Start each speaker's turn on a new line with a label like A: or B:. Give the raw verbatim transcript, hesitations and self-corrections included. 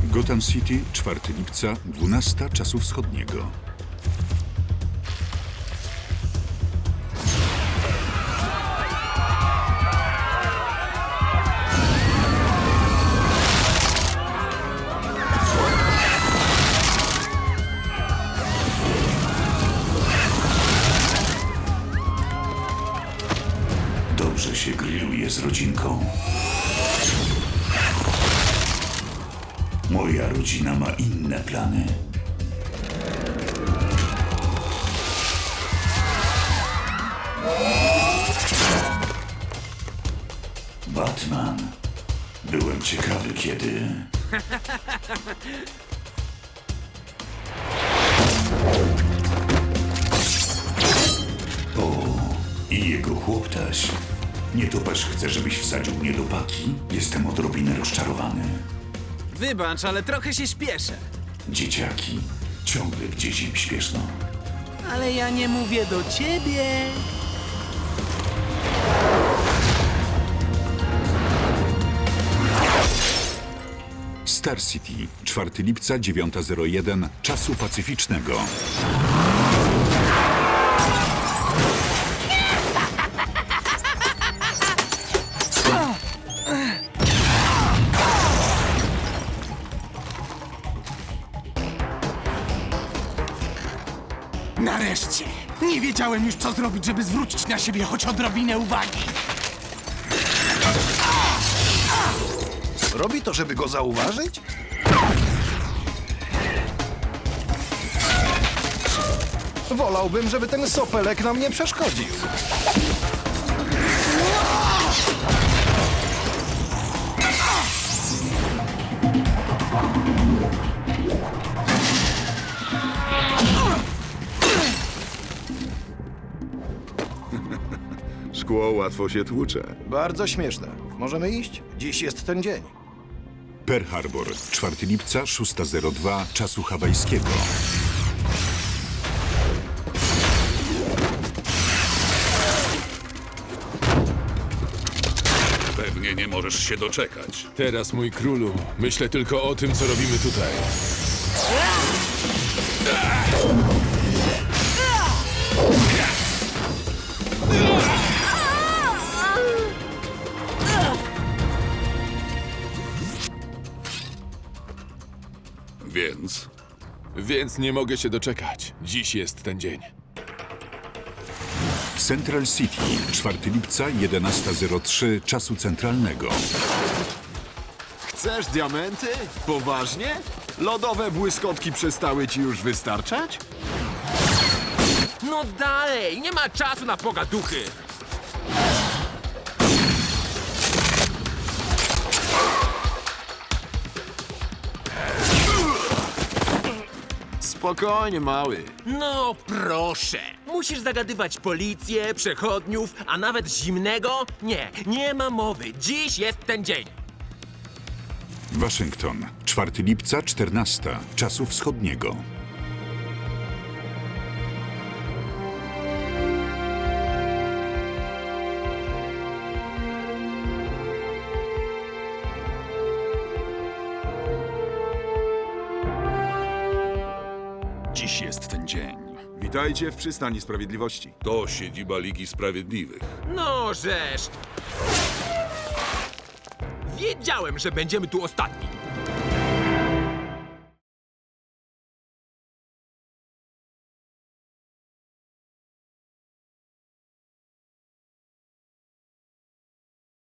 A: Gotham City, czwartego lipca, dwunasta czasu wschodniego.
B: Dobrze się grilluje z rodzinką. Moja rodzina ma inne plany. Batman. Byłem ciekawy, kiedy... O, i jego chłoptaś. Nietoperz chce, żebyś wsadził mnie do paki. Jestem odrobinę rozczarowany.
C: Wybacz, ale trochę się śpieszę.
B: Dzieciaki, ciągle gdzieś im śpieszno.
C: Ale ja nie mówię do ciebie.
A: Star City, czwartego lipca, dziewiąta zero jeden czasu pacyficznego.
D: Nareszcie! Nie wiedziałem już, co zrobić, żeby zwrócić na siebie choć odrobinę uwagi.
E: Robi to, żeby go zauważyć? Wolałbym, żeby ten sopelek nam nie przeszkodził.
F: Szkło łatwo się tłucze.
E: Bardzo śmieszne. Możemy iść? Dziś jest ten dzień.
A: Pearl Harbor, czwartego lipca, szósta zero dwa czasu hawajskiego.
F: Pewnie nie możesz się doczekać.
G: Teraz, mój królu, myślę tylko o tym, co robimy tutaj.
F: Więc
G: Więc nie mogę się doczekać. Dziś jest ten dzień.
A: Central City, czwartego lipca, jedenasta zero trzy czasu centralnego.
H: Chcesz diamenty? Poważnie? Lodowe błyskotki przestały ci już wystarczać?
C: No dalej, nie ma czasu na pogaduchy.
H: Spokojnie, mały.
C: No proszę. Musisz zagadywać policję, przechodniów, a nawet zimnego? Nie, nie ma mowy. Dziś jest ten dzień.
A: Waszyngton, czwartego lipca, czternasta czasu wschodniego.
B: Dziś jest ten dzień.
F: witajcie w przystani sprawiedliwości. To siedziba Ligi Sprawiedliwych.
C: No żeż. Wiedziałem, że będziemy tu ostatni.